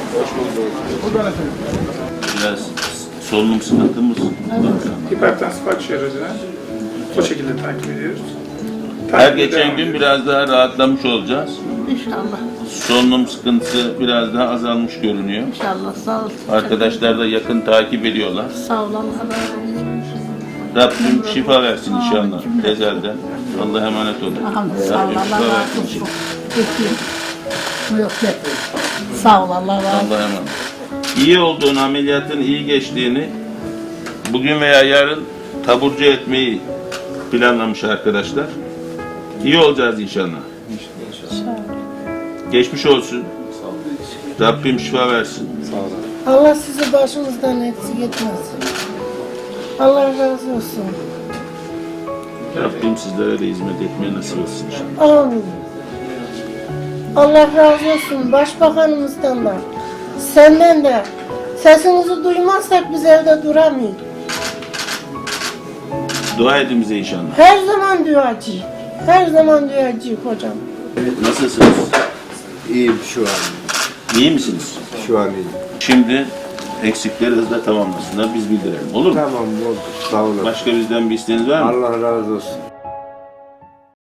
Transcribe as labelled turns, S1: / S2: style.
S1: Biraz solunum sıkıntımız var.
S2: Hipertansif akciğer acına o şekilde takip ediyoruz.
S1: Her geçen gün biraz daha rahatlamış olacağız.
S3: İnşallah.
S1: Solunum sıkıntısı biraz daha azalmış görünüyor.
S3: İnşallah. Sağ ol.
S1: Arkadaşlar da yakın takip ediyorlar.
S3: Sağ ol. Allah razı olsun.
S1: Rabbim şifa versin inşallah tezelden. Allah'a emanet olun.
S3: Sağ ol.
S1: Rabbim
S3: Allah
S1: şifa
S3: razı
S1: versin
S3: olsun.
S1: inşallah.
S3: Bekleyin. Yok yok. Sağ ol. Allah razı olsun.
S1: Allah'a emanet. İyi olduğunu, ameliyatın iyi geçtiğini bugün veya yarın taburcu etmeyi planlamış arkadaşlar. İyi olacağız inşallah. Geçmiş olsun. Rabbim şifa versin.
S4: Allah sizi başımızdan eksik etmez. Allah razı olsun.
S1: Rabbim sizlere de hizmet etmeye nasip etsin inşallah.
S4: Amin. Allah razı olsun başbakanımızdan da, senden de. Sesinizi duymazsak biz evde duramayız.
S1: Dua edin bize inşallah.
S4: Her zaman duacı. Her zaman duacı hocam.
S1: Nasılsınız?
S5: İyiyim şu an.
S1: İyi misiniz?
S5: Şu an iyiyim.
S1: Şimdi eksikleri hızla tamamlasınlar, biz bildirelim. Olur mu?
S5: Tamam oldu. Sağ olun.
S1: Başka bizden bir isteğiniz var mı?
S5: Allah razı olsun.